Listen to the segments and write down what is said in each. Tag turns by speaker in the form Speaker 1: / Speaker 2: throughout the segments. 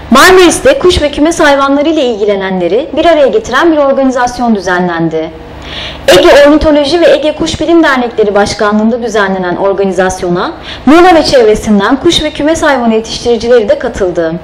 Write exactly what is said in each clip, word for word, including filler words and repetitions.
Speaker 1: Marmaris'te kuş ve kümes hayvanları ile ilgilenenleri bir araya getiren bir organizasyon düzenlendi. Ege Ornitoloji ve Ege Kuş Bilim Dernekleri Başkanlığı'nda düzenlenen organizasyona Muğla ve çevresinden kuş ve kümes hayvanı yetiştiricileri de katıldı.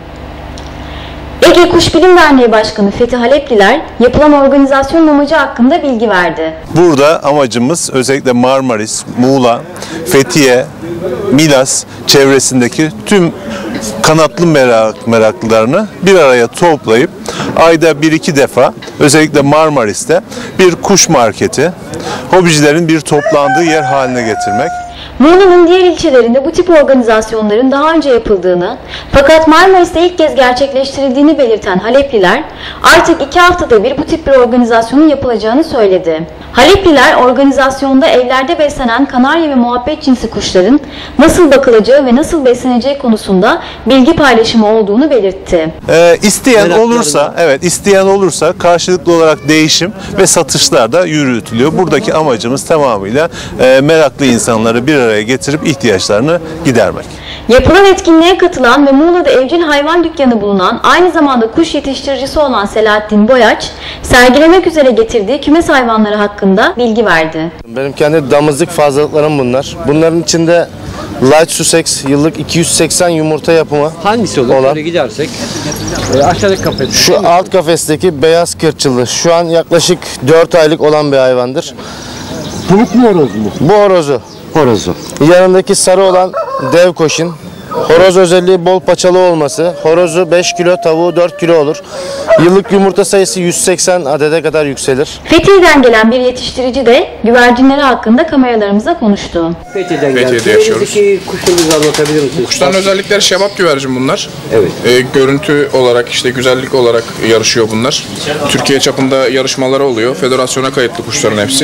Speaker 1: Ege Kuş Bilim Derneği Başkanı Fethi Halepliler yapılan organizasyonun amacı hakkında bilgi verdi.
Speaker 2: Burada amacımız özellikle Marmaris, Muğla, Fethiye, Milas çevresindeki tüm kanatlı merak, meraklılarını bir araya toplayıp ayda bir iki defa özellikle Marmaris'te bir kuş marketi, hobicilerin bir toplandığı yer haline getirmek.
Speaker 1: Muğla'nın diğer ilçelerinde bu tip organizasyonların daha önce yapıldığını fakat Marmaris'te ilk kez gerçekleştirildiğini belirten Halepliler artık iki haftada bir bu tip bir organizasyonun yapılacağını söyledi. Halepliler organizasyonda evlerde beslenen kanarya ve muhabbet cinsi kuşların nasıl bakılacağı ve nasıl besleneceği konusunda bilgi paylaşımı olduğunu belirtti.
Speaker 2: Ee, isteyen olursa, evet isteyen olursa karşılıklı olarak değişim ve satışlar da yürütülüyor. Buradaki amacımız tamamıyla e, meraklı insanları bir araya getirip ihtiyaçlarını gidermek.
Speaker 1: Yapılan etkinliğe katılan ve Muğla'da evcil hayvan dükkanı bulunan, aynı zamanda kuş yetiştiricisi olan Selahattin Boyaç, sergilemek üzere getirdiği kümes hayvanları hakkında bilgi verdi.
Speaker 3: Benim kendi damızlık fazlalıklarım bunlar. Bunların içinde Light Sussex yıllık iki yüz seksen yumurta yapımı.
Speaker 4: Hangisi olur?
Speaker 3: Olan.
Speaker 4: Böyle gidersek e, aşağıdaki kafes.
Speaker 3: Şu alt kafesteki beyaz kırçıllı. Şu an yaklaşık dört aylık olan bir hayvandır.
Speaker 4: Pamuk mu horoz mu?
Speaker 3: Bu horozu.
Speaker 4: Horozu.
Speaker 3: Yanındaki sarı olan dev koşin. Horoz özelliği bol paçalı olması. Horozu beş kilo, tavuğu dört kilo olur. Yıllık yumurta sayısı yüz seksen adede kadar yükselir.
Speaker 1: Fethiye'den gelen bir yetiştirici de güvercinleri hakkında kameralarımıza konuştu.
Speaker 4: Fethiye'den
Speaker 5: Fethiye'de yaşıyoruz.
Speaker 4: Kuşlarınızı anlatabilir misiniz?
Speaker 5: Kuşların özellikleri şebap güvercin bunlar.
Speaker 4: Evet.
Speaker 5: Ee, görüntü olarak işte güzellik olarak yarışıyor bunlar. Türkiye çapında yarışmaları oluyor. Federasyona kayıtlı kuşların hepsi.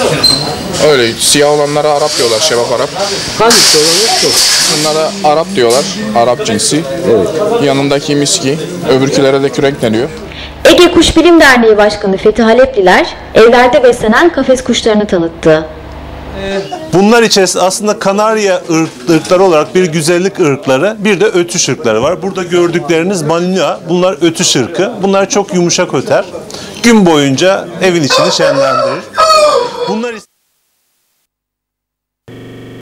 Speaker 5: Öyle siyah olanlara Arap diyorlar, şebap Arap.
Speaker 4: Hangisi olanı çok?
Speaker 5: Bunlara Arap diyorlar, Arap cinsi.
Speaker 4: Evet.
Speaker 5: Yanındaki miski, öbürkülere de kürek deniyor.
Speaker 1: Ege Kuş Bilim Derneği Başkanı Fethi Halepliler evlerde beslenen kafes kuşlarını tanıttı.
Speaker 2: Bunlar içerisinde aslında kanarya ırk, ırkları olarak bir güzellik ırkları, bir de ötüş ırkları var. Burada gördükleriniz Malinois, bunlar ötüş ırkı. Bunlar çok yumuşak öter. Gün boyunca evin içini şenlendirir. Bunlar